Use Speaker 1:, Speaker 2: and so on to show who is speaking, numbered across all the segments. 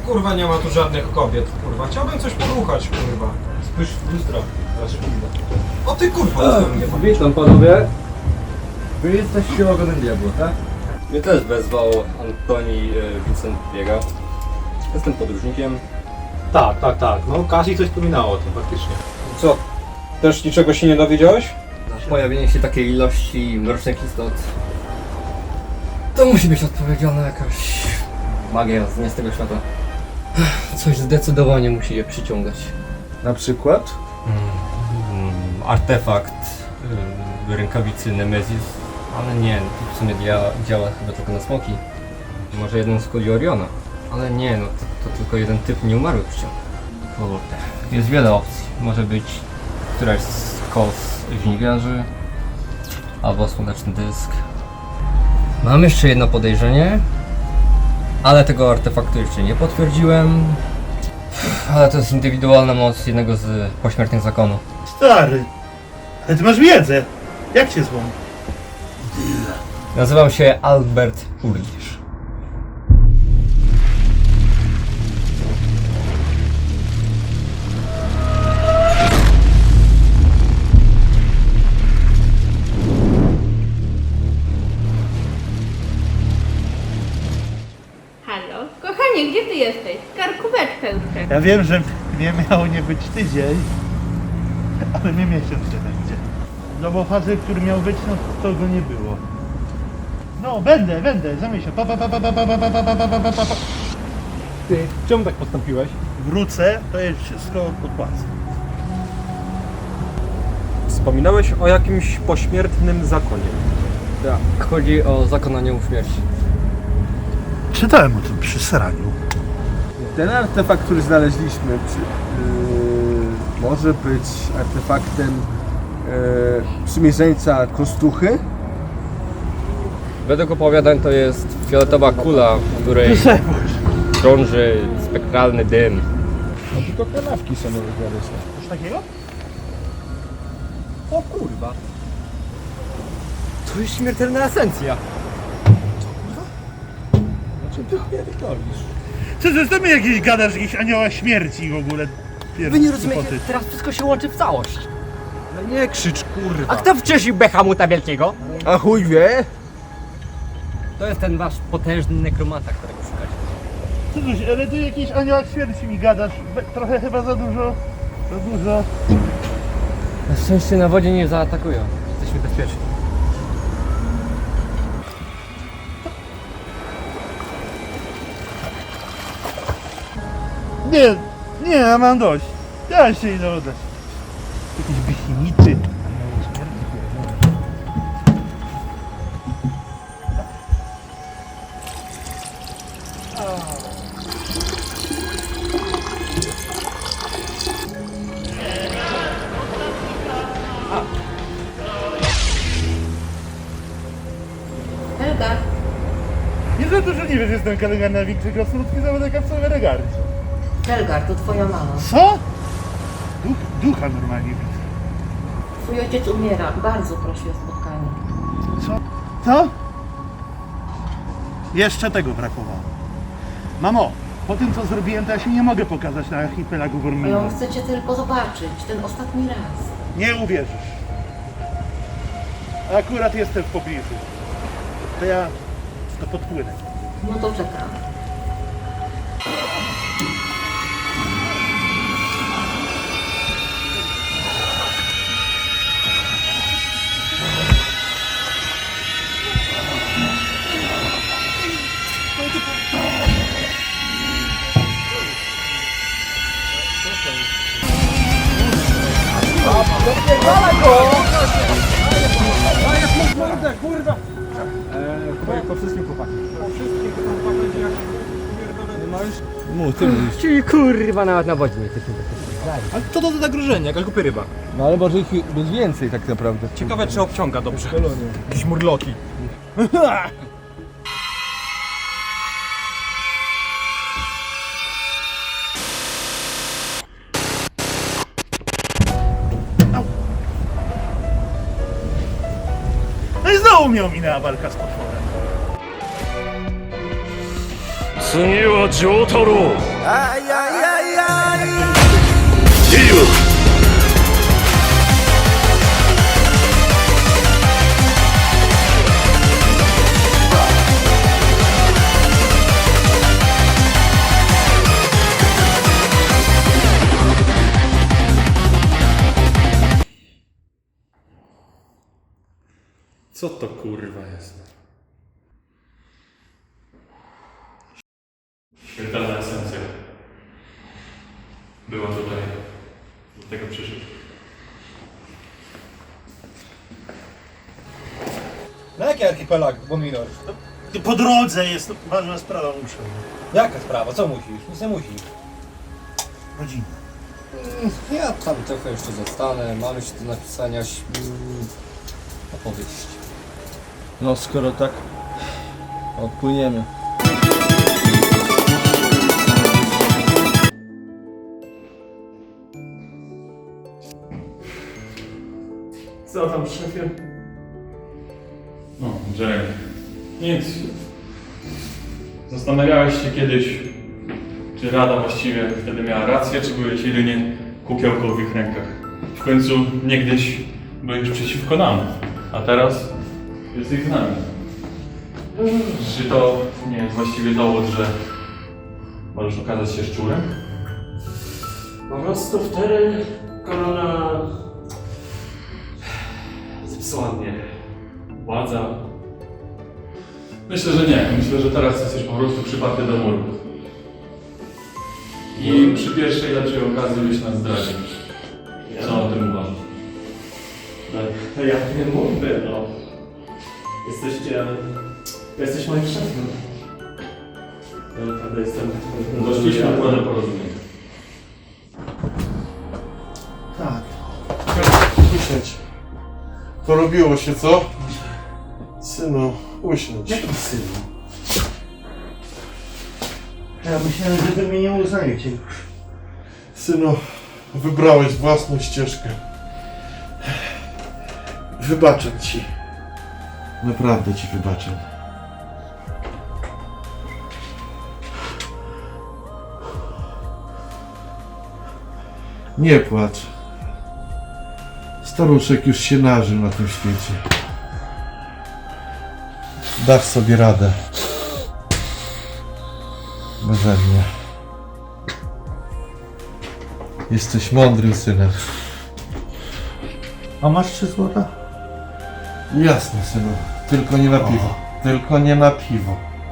Speaker 1: kurwa nie ma tu żadnych kobiet, kurwa. Chciałbym coś poruchać, kurwa.
Speaker 2: Spójrz w lustro, znaczy kurwa.
Speaker 1: O ty kurwa, nie ma.
Speaker 3: Witam panowie. Wy jesteście ogonem diabła, tak?
Speaker 2: Mnie też wezwał Antoni Vincent Biega. Jestem podróżnikiem.
Speaker 4: Tak. No Kasi coś wspominało o tym faktycznie.
Speaker 1: Co? Też niczego się nie dowiedziałeś?
Speaker 2: Pojawienie się takiej ilości mrocznych istot to musi być odpowiedzialna jakaś magia z nie z tego świata. Coś zdecydowanie musi je przyciągać.
Speaker 3: Na przykład?
Speaker 2: Artefakt rękawicy Nemesis, ale nie, w sumie działa chyba tylko na smoki. Może jeden z kuli Oriona, ale nie, no to tylko jeden typ nieumarły przyciąga. Kurde, jest wiele opcji. Może być któraś z kos żniwiarzy, albo słoneczny dysk. Mam jeszcze jedno podejrzenie, ale tego artefaktu jeszcze nie potwierdziłem. Ale to jest indywidualna moc jednego z pośmiertnych zakonu.
Speaker 5: Stary, ale ty masz wiedzę. Jak cię zwą?
Speaker 2: Nazywam się Albert Urlisz.
Speaker 6: Halo? Kochanie, gdzie ty jesteś? Karkóweczkę już czeka.
Speaker 5: Ja wiem, że nie miało nie być tydzień, ale mnie miesiąc się będzie. No bo facet, który miał być, no to go nie było. No, będę, za miesiąc. Pa.
Speaker 4: Ty, czemu tak postąpiłeś?
Speaker 5: Wrócę, to jest wszystko odpłacę.
Speaker 1: Wspominałeś o jakimś pośmiertnym zakonie.
Speaker 2: Tak, chodzi o zakon aniołów śmierci.
Speaker 5: Czytałem o tym przy seraniu.
Speaker 3: Ten artefakt, który znaleźliśmy, może być artefaktem przymierzeńca Kostuchy?
Speaker 2: Według opowiadań to jest fioletowa kula, w której krąży spektralny dym.
Speaker 3: No tylko kanawki są znaleźć.
Speaker 5: Coś takiego?
Speaker 2: O kurwa! To jest śmiertelna esencja!
Speaker 3: Znaczy ty pierdolisz.
Speaker 5: Co ty mi jakieś gadasz, jakieś anioła śmierci w ogóle?
Speaker 2: Wy nie rozumiecie, teraz wszystko się łączy w całość.
Speaker 1: No nie krzycz, kurwa.
Speaker 2: A kto wcześniej Behamuta Wielkiego?
Speaker 3: A chuj wie?
Speaker 2: To jest ten wasz potężny nekromanta, którego szukacie.
Speaker 5: Co tu, ale ty jakiś aniołach śmierci mi gadasz. Trochę chyba za dużo.
Speaker 2: Na szczęście na wodzie nie zaatakują. Jesteśmy bezpieczni.
Speaker 5: Nie, ja mam dość. Ja się idę oddać. Jakieś bichinicy.
Speaker 6: Helga,
Speaker 5: Nie za dużo nie wiesz, jestem kolega na większej krasnoludki zawodek w całej regardzie.
Speaker 7: Helgar, to twoja mama.
Speaker 5: Co? Ducha normalnie widzę.
Speaker 7: Twój ojciec umiera. Bardzo prosi o spotkanie.
Speaker 5: Co? Jeszcze tego brakowało. Mamo, po tym co zrobiłem, to ja się nie mogę pokazać na archipelagu
Speaker 7: Ale
Speaker 5: Wormina.
Speaker 7: on chce cię tylko zobaczyć. Ten ostatni raz.
Speaker 5: Nie uwierzysz. Akurat jestem w pobliżu. To ja to podpłynę.
Speaker 7: No to czekam.
Speaker 3: Po wszystkim chłopaki.
Speaker 2: Czyli kurwa nawet na wodzie nie jesteśmy bezpieczni.
Speaker 4: Ale co to za zagrożenie? Jaka głupia ryba.
Speaker 3: No ale może ich być więcej tak naprawdę.
Speaker 1: Ciekawe czy obciąga dobrze. Jakieś murloki.
Speaker 5: No i znowu mnie ominęła walka z potworem.
Speaker 8: 次は丈太郎 Co to kurwa jest? Śmiertelna esencja. Była tutaj. Do tego przyszedł.
Speaker 1: Na jaki archipelag, bo minor?
Speaker 5: Po drodze jest ważna sprawa, muszę.
Speaker 1: Jaka sprawa? Co musisz? Nic nie musisz.
Speaker 5: Rodzina.
Speaker 2: Ja tam trochę jeszcze zostanę, mam jeszcze do napisania opowieść.
Speaker 3: No skoro tak, odpłyniemy.
Speaker 8: Co tam, szefie? No, Jeremy. Nic. Zastanawiałeś się kiedyś, czy Rada właściwie wtedy miała rację, czy byłeś jedynie kukiełką w ich rękach. W końcu niegdyś byłeś przeciwko nam, a teraz jesteś z nami. Czy to nie jest właściwie dowód, że możesz okazać się szczurem?
Speaker 9: Po prostu wtedy korona zepsuła mnie.
Speaker 8: Władza? Myślę, że nie. Myślę, że teraz jesteś po prostu przyparty do muru. I przy pierwszej lepszej okazji byś nas zdradził. Co o tym uważasz?
Speaker 9: No ja nie mówię, no. Jesteś moim szefem. Ja naprawdę jestem...
Speaker 8: Doszliśmy do porozumienia.
Speaker 5: Tak.
Speaker 10: Usiądź. Porobiło się, co? Synu, usiądź.
Speaker 5: Jaki syn? Ja myślałem, że wy mnie nie uznajecie już.
Speaker 10: Synu, wybrałeś własną ścieżkę. Wybaczę ci. Naprawdę ci wybaczę. Nie płacz. Staruszek już się nażył na tym świecie. Dasz sobie radę. Beze mnie. Jesteś mądrym synem.
Speaker 5: A masz 3 złota?
Speaker 10: Jasne, synu. Tylko nie na piwo. Tylko nie na piwo.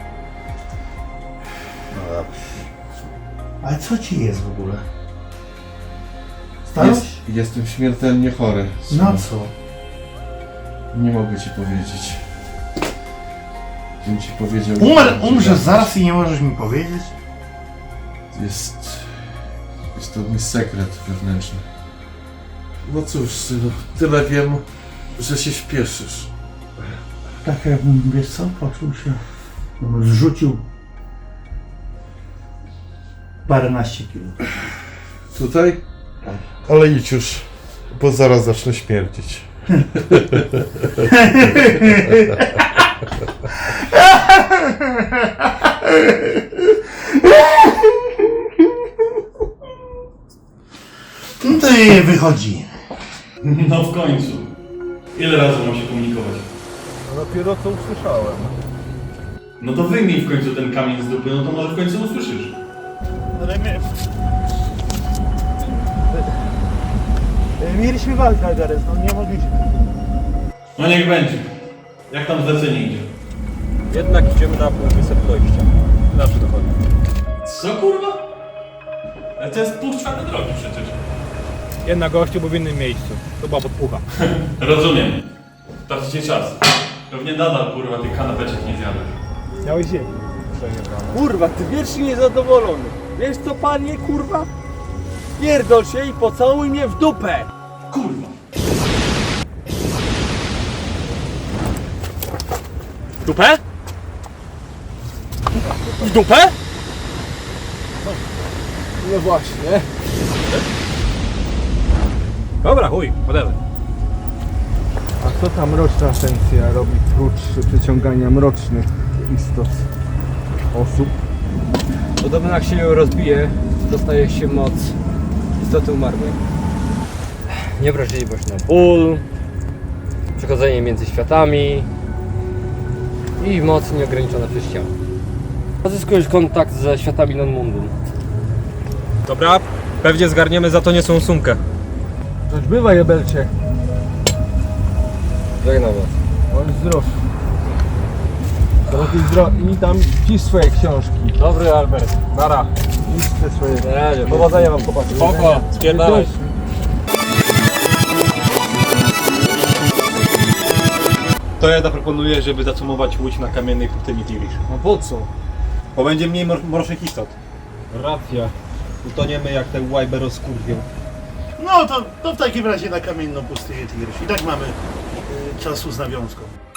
Speaker 5: No dobrze. Ale co ci jest w ogóle? Starość?
Speaker 10: Jestem śmiertelnie chory. synu.
Speaker 5: Na co?
Speaker 10: Nie mogę ci powiedzieć. Gdybym ci powiedział...
Speaker 5: Umrzesz zaraz i nie możesz mi powiedzieć?
Speaker 10: Jest to mój sekret wewnętrzny. No cóż, synu, tyle wiem, że się śpieszysz.
Speaker 5: Tak jakbym, wiesz co, poczuł się... Zrzucił... paręnaście kilo.
Speaker 10: Tutaj?
Speaker 5: Tak.
Speaker 10: Ale idź już, bo zaraz zacznę śmierdzić.
Speaker 5: No to jej wychodzi.
Speaker 8: No w końcu. Ile razy mam się komunikować?
Speaker 3: Dopiero co usłyszałem.
Speaker 8: No to wyjmij w końcu ten kamień z dupy, no to może w końcu usłyszysz.
Speaker 5: Mieliśmy walkę, Gareth, no nie mogliśmy.
Speaker 8: No niech będzie. Jak tam zlecenie idzie?
Speaker 2: Jednak idziemy na półwysep dojścia. Nasz dochodzi.
Speaker 8: Co kurwa? Ale to jest pół czwartej drogi przecież.
Speaker 1: Jedna gościu był w innym miejscu. To była podpucha.
Speaker 8: Rozumiem. Tracicie czas. Pewnie nadal kurwa tych kanapeczek nie zjadłeś.
Speaker 1: Miałeś zjeść.
Speaker 3: Kurwa, ty wiecznie niezadowolony. Wiesz co, panie, kurwa? Pierdol się i pocałuj mnie w dupę!
Speaker 8: Kurwa.
Speaker 3: Dupę? W dupę? No właśnie.
Speaker 1: Dobra, chuj, whatever.
Speaker 3: A co ta mroczna esencja robi prócz przyciągania mrocznych istot osób?
Speaker 2: Podobno jak się ją rozbije, dostaje się moc istoty umarłej. Niewrażliwość na ból, przechodzenie między światami i moc nieograniczona przez ciało. Pozyskujesz kontakt ze światami non-mundum.
Speaker 1: Dobra, pewnie zgarniemy za to niesłą sumkę.
Speaker 3: Coś bywa, jebelcie.
Speaker 2: Żegnam was.
Speaker 3: Bądź zdrów. Bądź zdrów. I tam pisz swoje książki.
Speaker 1: Dobry Albert, nara.
Speaker 3: Pisz te swoje...
Speaker 1: Powodzenia wam chłopaki. Spoko, spierdalaj.
Speaker 4: To ja proponuję, żeby zacumować łódź na kamiennej pustyni Tirish.
Speaker 3: No po co?
Speaker 4: Bo będzie mniej mrocznych istot.
Speaker 1: Racja. Utoniemy jak te łajby rozkurwią.
Speaker 5: No to w takim razie na kamienną pustynię Tigryś. I tak mamy czasu z nawiązką.